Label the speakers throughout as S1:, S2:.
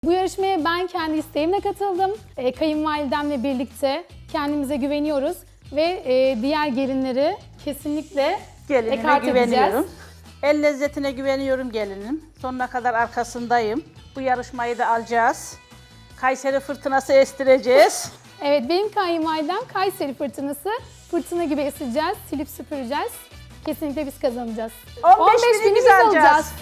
S1: Bu yarışmaya ben kendi isteğimle katıldım. Kayınvalidemle birlikte kendimize güveniyoruz ve diğer gelinleri kesinlikle
S2: Gelinime
S1: ekart
S2: güveniyorum.
S1: edeceğiz.
S2: El lezzetine güveniyorum gelinim. Sonuna kadar arkasındayım. Bu yarışmayı da alacağız. Kayseri fırtınası estireceğiz.
S1: Evet, benim kayınvalidem Kayseri fırtınası. Fırtına gibi eseceğiz, silip süpüreceğiz. Kesinlikle biz kazanacağız.
S2: 15 bini biz alacağız.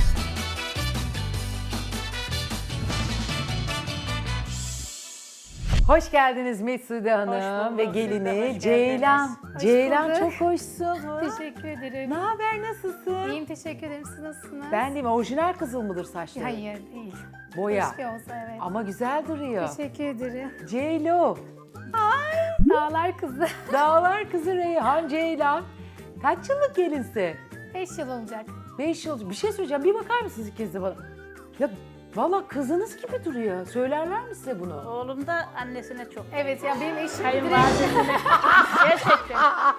S3: Hoş geldiniz Mesude Hanım
S2: bulduk,
S3: ve
S2: siz de
S3: gelini
S2: hoş
S3: Ceylan.
S2: geldiniz.
S3: Ceylan
S1: bulduk.
S3: çok hoşsun.
S1: Teşekkür ederim.
S3: Ne haber, nasılsın?
S1: İyiyim, teşekkür ederim. Siz nasılsınız?
S3: Ben değil mi? Orijinal kızıl mıdır saçları?
S1: Hayır, değil.
S3: Boya.
S1: Keşke olsa, evet.
S3: Ama güzel duruyor.
S1: Teşekkür ederim.
S3: Ceylo.
S1: Dağlar kızı.
S3: Dağlar kızı Reyhan Ceylan. Kaç yıllık gelinse?
S1: 5 yıl olacak.
S3: 5 yıl. Bir şey söyleyeceğim. Bir bakar mısınız ikiniz de bana? Ya valla kızınız gibi duruyor. Söylerler mi size bunu?
S2: Oğlum da annesine çok.
S1: Evet ya benim eşim
S2: Kayınvalidesine. Gerçekten.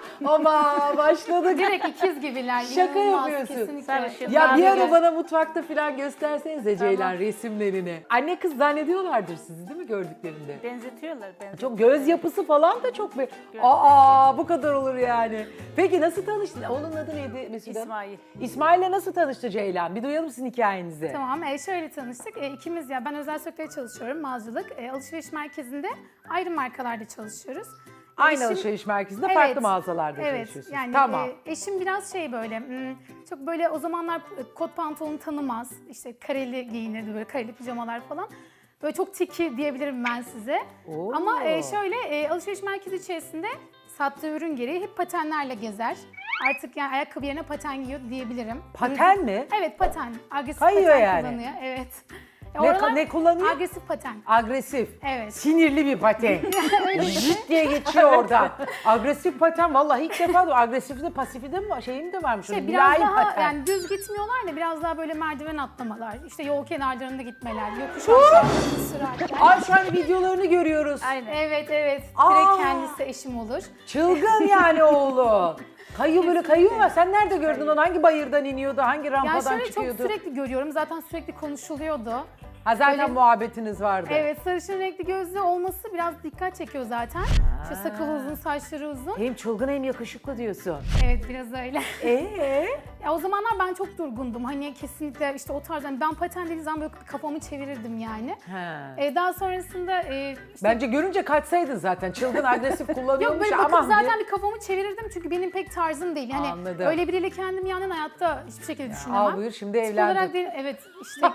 S3: Ama başladık.
S1: direkt ikiz gibiler.
S3: Şaka
S1: İnanılmaz,
S3: yapıyorsun.
S1: Kesinlikle.
S2: Sarışın.
S3: Ya bir
S1: Ben
S3: ara
S1: de-
S3: bana mutfakta falan göstersenize Ceylan resimlerini. Anne kız zannediyorlardır sizi değil mi gördüklerinde?
S2: Benzetiyorlar.
S3: Çok göz yapısı falan da çok be. Aa bu kadar olur yani. Peki nasıl tanıştın? Onun adı neydi Mesude?
S2: İsmail.
S3: İsmail'le nasıl tanıştı Ceylan? Bir duyalım sizin hikayenizi.
S1: Tamam, şöyle tanıştık. İkimiz ya ben özel sektörde çalışıyorum, mağazacılık. Alışveriş merkezinde ayrı markalarda çalışıyoruz.
S3: Aynı
S1: Eşim-
S3: alışveriş merkezinde
S1: Evet,
S3: farklı mağazalarda
S1: evet,
S3: çalışıyorsunuz.
S1: yani
S3: Tamam.
S1: eşim biraz şey böyle, çok böyle o zamanlar kot pantolon tanımaz. İşte kareli giyinirdi, böyle kareli pijamalar falan. Böyle çok tiki diyebilirim ben size.
S3: Oo.
S1: Ama şöyle alışveriş merkezi içerisinde sattığı ürün gereği hep patenlerle gezer. Artık yani ayakkabı yerine paten giyiyor diyebilirim.
S3: Paten mi?
S1: Evet, paten. Agresif
S3: Kayıyor
S1: paten
S3: yani.
S1: kullanıyor. Evet.
S3: Ne kullanıyor?
S1: Agresif paten.
S3: Agresif.
S1: Evet.
S3: Sinirli bir paten. Zıt diye geçiyor oradan. Agresif paten vallahi ilk defa da agresif de pasifi de mi şeyim de varmış.
S1: Şey,
S3: Öyle
S1: biraz
S3: mülayim
S1: daha
S3: paten.
S1: yani düz gitmiyorlar da biraz daha böyle merdiven atlamalar, işte yol kenarlarında gitmeler, yokuş aşağı sürerler.
S3: Ay şu an videolarını görüyoruz.
S2: Aynen.
S1: Evet, evet.
S3: Aa!
S1: Direkt kendisi eşim olur.
S3: Çılgın yani oğlu. Kayıyor böyle kayıyor ama sen nerede gördün onu? Hangi bayırdan iniyordu? Hangi
S1: Yani
S3: rampadan
S1: şöyle çok
S3: çıkıyordu?
S1: sürekli görüyorum. Zaten sürekli konuşuluyordu.
S3: Ha zaten
S1: Böyle-
S3: muhabbetiniz vardı.
S1: Evet, sarışın renkli gözlü olması biraz dikkat çekiyor zaten. İşte sakalı uzun, saçları uzun.
S3: Hem çılgın hem yakışıklı diyorsun.
S1: Evet, biraz öyle.
S3: Ee?
S1: Ya o zamanlar ben çok durgundum. Hani kesinlikle işte o tarz, hani ben paten dediğim zaman böyle kafamı çevirirdim yani.
S3: Ha.
S1: Daha sonrasında işte
S3: Bence görünce kaçsaydın zaten. Çılgın agresif
S1: yok
S3: kullanıyormuş
S1: böyle
S3: ama.
S1: bakıp zaten bir kafamı çevirirdim çünkü benim pek tarzım değil. Hani
S3: Anladım.
S1: öyle biriyle kendimi yan yana hayatta hiçbir şekilde düşünemem.
S3: Al buyur şimdi
S1: Tip olarak
S3: evlendin.
S1: değil, evet işte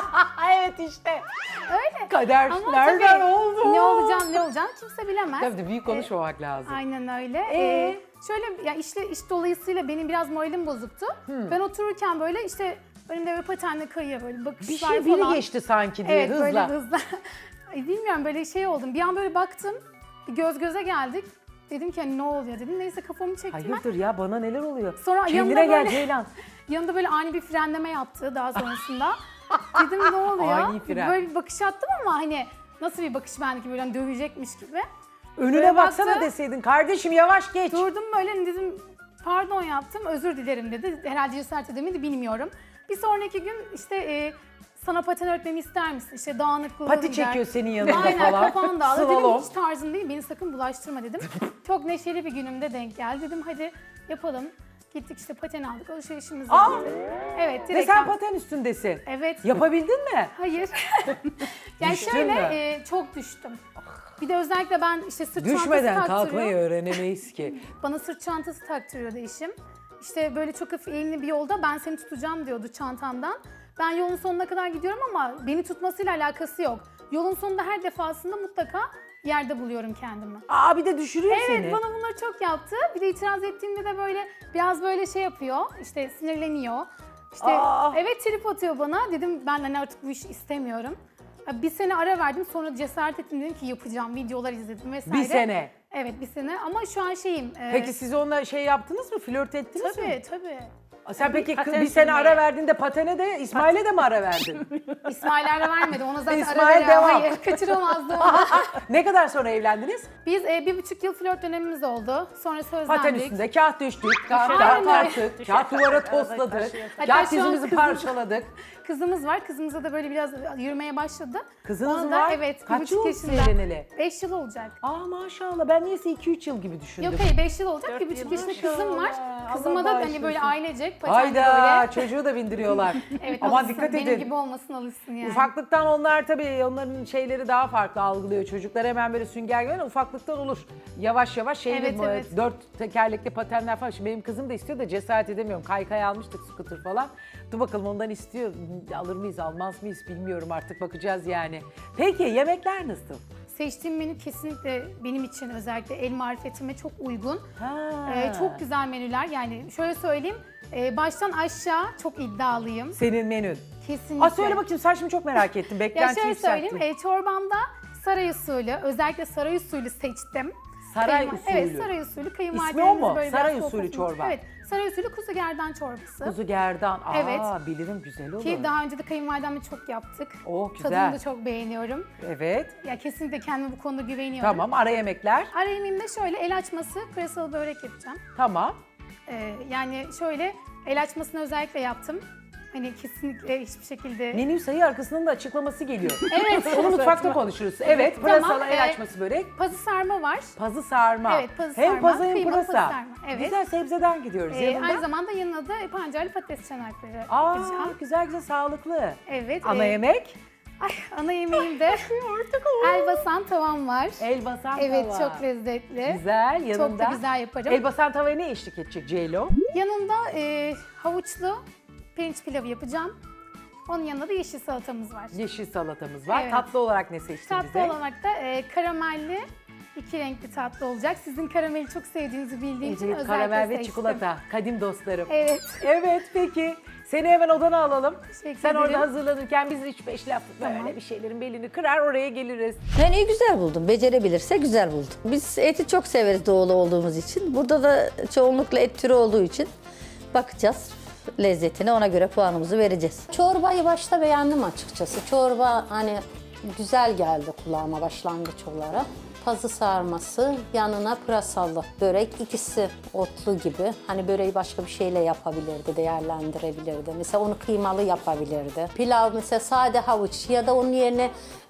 S3: Evet işte.
S1: öyle.
S3: Kader
S1: Ama
S3: nereden
S1: tabii
S3: oldu?
S1: ne olacağını kimse bilemez.
S3: Tabii büyük konuşmamak lazım.
S1: Aynen öyle.
S3: Ee?
S1: Şöyle ya iş dolayısıyla benim biraz moralim bozuktu. Ben otururken böyle işte önümde böyle patenle kayıyor böyle bakışlar
S3: Bir şey biri
S1: falan.
S3: geçti sanki diye
S1: Evet,
S3: hızla.
S1: böyle hızla. Ay, bilmiyorum böyle şey oldum. Bir an böyle baktım. Bir göz göze geldik. Dedim ki hani ne oluyor dedim. Neyse kafamı çektim ben.
S3: Hayırdır ya bana neler oluyor?
S1: Sonra
S3: Kendine
S1: yanında
S3: gel
S1: böyle-
S3: Ceylan.
S1: Yanında böyle ani bir frenleme yaptı daha sonrasında. Dedim ne oluyor?
S3: Ani fren.
S1: Böyle bir bakış attım ama hani nasıl bir bakış bendeki böyle hani dövecekmiş gibi.
S3: Önüne
S1: Böyle
S3: baksana
S1: baktı.
S3: deseydin kardeşim yavaş geç.
S1: Durdum böyle hani dedim pardon yaptım özür dilerim dedi. Herhalde cesaret edemedi bilmiyorum. Bir sonraki gün işte sana paten öğretmemi ister misin? İşte dağınıklığı
S3: Pati
S1: gider.
S3: çekiyor senin yanında
S1: Aynen
S3: falan.
S1: kafan dağılır. Dedim
S3: Slalom.
S1: hiç tarzım değil beni sakın bulaştırma dedim. Çok neşeli bir günümde denk geldi. Dedim hadi yapalım. Gittik işte paten aldık alışverişimizi
S3: Aa!
S1: yaptık. Evet
S3: Ve
S1: direkt.
S3: sen paten üstündesin.
S1: Evet.
S3: Yapabildin mi?
S1: Hayır. Yani
S3: Düştün
S1: şöyle
S3: mü?
S1: çok düştüm. Bir de özellikle ben işte sırt
S3: Düşmeden
S1: çantası
S3: kalkmayı
S1: taktırıyor.
S3: öğrenemeyiz ki.
S1: Bana sırt çantası taktırıyordu eşim. İşte böyle çok hafif eğimli bir yolda ben seni tutacağım diyordu çantamdan. Ben yolun sonuna kadar gidiyorum ama beni tutmasıyla alakası yok. Yolun sonunda her defasında mutlaka yerde buluyorum kendimi.
S3: Aa bir de düşürüyor
S1: Evet,
S3: seni.
S1: bana bunları çok yaptı. Bir de itiraz ettiğimde de böyle biraz böyle şey yapıyor. İşte sinirleniyor. İşte
S3: Aa!
S1: evet trip atıyor bana. Dedim ben hani artık bu işi istemiyorum. Bir sene ara verdim. Sonra cesaret ettim dedim ki yapacağım. Videolar izledim vesaire.
S3: Bir sene.
S1: Evet bir sene ama şu an şeyim.
S3: Peki siz onunla şey yaptınız mı? Flört ettiniz mi?
S1: Tabii tabii.
S3: Sen peki
S2: Paten
S3: bir sene
S2: sürmeye.
S3: ara verdiğinde patene de İsmail'e de mi ara verdin?
S1: İsmail ara vermedi. Ona zaten
S3: İsmail
S1: ara veriyor.
S3: devam.
S1: Hayır, kaçıramazdı onu.
S3: Ne kadar sonra evlendiniz?
S1: Biz 1,5 yıl flört dönemimiz oldu. Sonra sözlendik.
S3: Paten üstünde kağıt düştük, kağıt
S1: Aynen öyle.
S3: tarttık, kağıt duvara tosladık,
S1: Hatta
S3: kağıt
S1: şu an
S3: dizimizi
S1: kızım-
S3: parçaladık.
S1: Kızımız var. Kızımıza da böyle biraz yürümeye başladı.
S3: Kızınız
S1: Ona
S3: mı
S1: da,
S3: var?
S1: Evet.
S3: Kaç
S1: 1,5
S3: yıl oldu
S1: yaşında.
S3: evleneli?
S1: 5 yıl olacak.
S3: Aa maşallah, ben niyeyse 2-3 yıl gibi düşündüm.
S1: Yok hayır 5 yıl olacak.
S2: 4
S1: 1,5
S2: yıl
S1: yaşında kızım var.
S3: maşallah.
S1: Kızıma
S3: Allah
S1: da hani
S3: bağışlasın.
S1: böyle ailecek patende
S3: Hayda,
S1: böyle.
S3: çocuğu da bindiriyorlar.
S1: Evet,
S3: Aman
S1: alışsın,
S3: dikkat
S1: benim
S3: edin.
S1: gibi olmasın alışsın yani.
S3: Ufaklıktan onlar tabii, onların şeyleri daha farklı algılıyor. Çocuklar hemen böyle sünger gibi, ufaklıktan olur. Yavaş yavaş şeyli,
S1: Evet, evet.
S3: 4 tekerlekli patenler falan. Şimdi benim kızım da istiyor da cesaret edemiyorum. Kaykay almıştık, scooter falan. Dur bakalım, ondan istiyor. Alır mıyız, almaz mıyız bilmiyorum, artık bakacağız yani. Peki yemekler nasıl?
S1: Seçtiğim menü kesinlikle benim için özellikle el marifetime çok uygun.
S3: Ha.
S1: Çok güzel menüler. Yani şöyle söyleyeyim, baştan aşağı çok iddialıyım.
S3: Senin menün.
S1: Kesinlikle.
S3: Aa, söyle bakayım, sen şimdi çok merak ettim.
S1: Ya
S3: Beklenti
S1: şöyle
S3: yükselttin.
S1: söyleyeyim, çorbamda saray usulü, özellikle saray usulü seçtim.
S3: Saray usulü.
S1: Evet, saray usulü.
S3: İsmi o
S1: Kayınvalidelerimiz
S3: mu?
S1: böyle
S3: Saray
S1: biraz
S3: usulü
S1: sofrasını-
S3: çorba.
S1: Evet, saray usulü kuzu gerdan çorbası.
S3: Kuzu gerdan. Aa,
S1: Evet.
S3: bilirim, güzel olur.
S1: Ki daha önce de kayınvalidemle çok yaptık.
S3: Oh, güzel.
S1: Tadını da çok beğeniyorum.
S3: Evet.
S1: Ya kesinlikle kendime bu konuda güveniyorum.
S3: Tamam, ara yemekler.
S1: Ara yemeğimde şöyle el açması, pırasalı börek yapacağım.
S3: Tamam.
S1: Yani şöyle el açmasını özellikle yaptım. Hani kesinlikle hiçbir şekilde...
S3: Menü sayı arkasının da açıklaması geliyor.
S1: Evet.
S3: Onu mutfakta konuşuruz. Evet,
S1: Tamam,
S3: pırasalı el açması börek.
S1: Pazı sarma var.
S3: Pazı sarma.
S1: Evet, pazı
S3: hem
S1: sarma,
S3: pazı hem
S1: kıymalı
S3: pırasa.
S1: pazı sarma, evet.
S3: Güzel, sebzeden gidiyoruz. Yanında.
S1: Aynı zamanda yanına da pancarlı patates çanakları
S3: Aa,
S1: yapacağım.
S3: güzel güzel, sağlıklı.
S1: Evet.
S3: Ana yemek?
S1: Ay, ana yemeğimde elbasan tavam var.
S3: Elbasan
S1: Evet,
S3: tava.
S1: çok lezzetli.
S3: Güzel, yanında.
S1: Çok da güzel yaparım.
S3: Elbasan tavaya ne eşlik edecek Ceylo?
S1: Yanında havuçlu pirinç pilavı yapacağım. Onun yanında da yeşil salatamız var.
S3: Yeşil salatamız var.
S1: Evet.
S3: Tatlı olarak ne seçtin
S1: Tatlı
S3: bize?
S1: olarak da karamelli 2 renkli tatlı olacak. Sizin karameli çok sevdiğinizi bildiğim için
S3: Evet,
S1: özellikle
S3: karamel ve
S1: seçtim.
S3: çikolata. Kadim dostlarım.
S1: Evet.
S3: Evet, peki. Seni hemen odana alalım.
S1: Teşekkür
S3: Sen orada
S1: ederim.
S3: hazırlanırken biz 3-5 laf böyle
S1: Tamam.
S3: bir şeylerin belini kırar, oraya geliriz.
S4: Menüyü güzel buldum. Becerebilirse güzel buldum. Biz eti çok severiz doğulu olduğumuz için. Burada da çoğunlukla et türü olduğu için bakacağız lezzetine, ona göre puanımızı vereceğiz.
S5: Çorbayı başta beğendim açıkçası. Çorba hani güzel geldi kulağıma başlangıç olarak. Pazı sarması, yanına pırasalı börek, ikisi otlu gibi. Hani böreği başka bir şeyle yapabilirdi, değerlendirebilirdi. Mesela onu kıymalı yapabilirdi. Pilav mesela sade havuç ya da onun yerine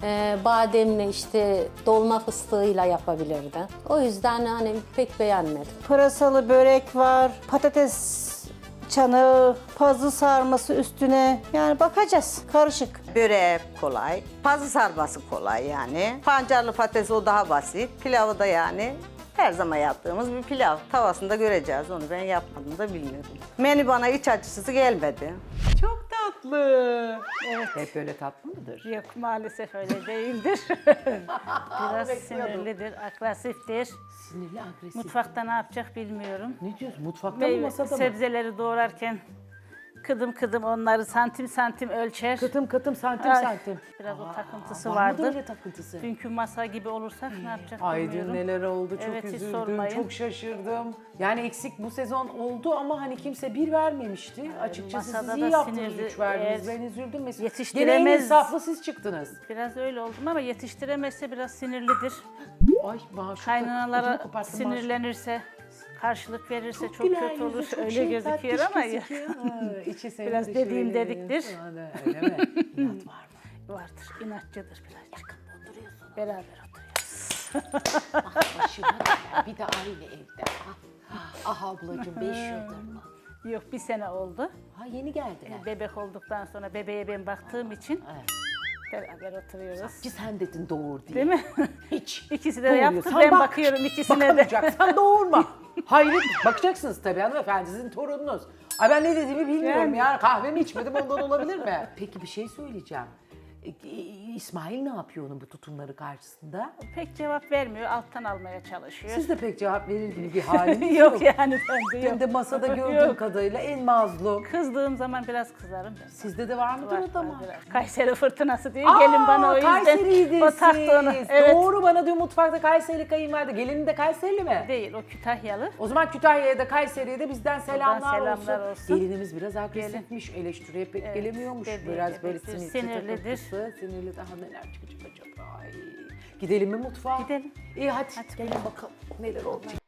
S5: bademli işte dolma fıstığıyla yapabilirdi. O yüzden hani pek beğenmedim.
S6: Pırasalı börek var, patates çanağı, pazı sarması üstüne. Yani bakacağız. Karışık.
S7: Böreği kolay, pazı sarması kolay yani. Pancarlı patates o daha basit. Pilavı da yani her zaman yaptığımız bir pilav. Tavasında göreceğiz, onu ben yapmadım da bilmiyorum. Menü bana iç açıcısı gelmedi.
S3: Çok tatlı. Evet. Hep böyle tatlı mıdır?
S2: Yok, maalesef öyle değildir. Biraz sinirlidir, agresiftir.
S3: Sinirli, agresif.
S2: Mutfakta ne yapacak bilmiyorum.
S3: Ne diyorsun? Mutfakta mı, masada mı?
S2: Sebzeleri doğrarken kıdım kıdım onları santim santim ölçer.
S3: Kıtım kıtım, santim
S2: Ay,
S3: santim.
S2: Biraz o takıntısı
S3: Var mıdır
S2: vardır.
S3: öyle takıntısı?
S2: Dünkü masa gibi olursak ne yapacak
S3: Ay dün
S2: bilmiyorum.
S3: neler oldu, çok
S2: Evet, hiç
S3: üzüldüm,
S2: sormayın.
S3: çok şaşırdım. Yani eksik bu sezon oldu ama hani kimse bir vermemişti. Açıkçası siz
S2: masada
S3: iyi
S2: da
S3: yaptınız,
S2: sinirli,
S3: 3 verdiniz.
S2: eğer
S3: Ben üzüldüm mesela.
S2: yetiştiremez-
S3: Gene en insaflı siz çıktınız.
S2: Biraz öyle oldum ama yetiştiremezse biraz sinirlidir.
S3: Ay maşallah.
S2: Kaynanalara sinirlenirse, karşılık verirse çok kötü olur. Öyle gözüküyor ama ya. Biraz dediğim dediktir.
S3: Öyle mi? İnat var mı?
S2: Vardır, inatçıdır birazcık. Beraber oturuyoruz.
S3: Başıma da bir de aynı evde. Ah ablacığım 5 yıldır mı?
S2: Yok, bir sene oldu.
S3: Ha yeni geldiler.
S2: Bebek olduktan sonra bebeğe ben baktığım için
S3: Evet.
S2: beraber oturuyoruz.
S3: Ki sen dedin doğur diye.
S2: Değil mi?
S3: Hiç.
S2: İkisi de
S3: Doğuruyor.
S2: yaptı.
S3: Sen
S2: Ben
S3: bak.
S2: bakıyorum ikisine de.
S3: Bakamayacaksan doğurma. Hayır, bakacaksınız tabii hanımefendi, sizin torununuz. Ay ben ne dediğimi bilmiyorum
S2: Yani.
S3: ya. Kahvemi içmedim, ondan olabilir mi? Peki bir şey söyleyeceğim. İsmail ne yapıyor onun bu tutumları karşısında?
S2: Pek cevap vermiyor, alttan almaya çalışıyor.
S3: Siz de pek cevap verir gibi bir haliniz yok.
S2: yok yani bende yok.
S3: Ben de masada gördüğüm
S2: Yok.
S3: kadarıyla en mazlum.
S2: Kızdığım zaman biraz kızarım.
S3: Sizde de var mıdır o da mı?
S2: Biraz. Kayseri fırtınası diye gelin bana o yüzden.
S3: Kayseri'ydiniz
S2: O taktı onu.
S3: siz.
S2: Evet.
S3: Doğru, bana diyor mutfakta Kayseri kayınvalide. Gelinin de Kayserili mi?
S2: Değil, o Kütahyalı.
S3: O zaman Kütahya'ya da Kayseri'ye de bizden selamlar,
S2: olsun.
S3: Gelinimiz biraz agresifmiş, eleştiriye pek gelemiyormuş. Biraz böyle
S2: sinirlidir.
S3: Sinirli, daha neler çıkacak acaba? Ay. Gidelim mi mutfağa?
S2: Gidelim.
S3: İyi hadi gelin bakalım neler olacak.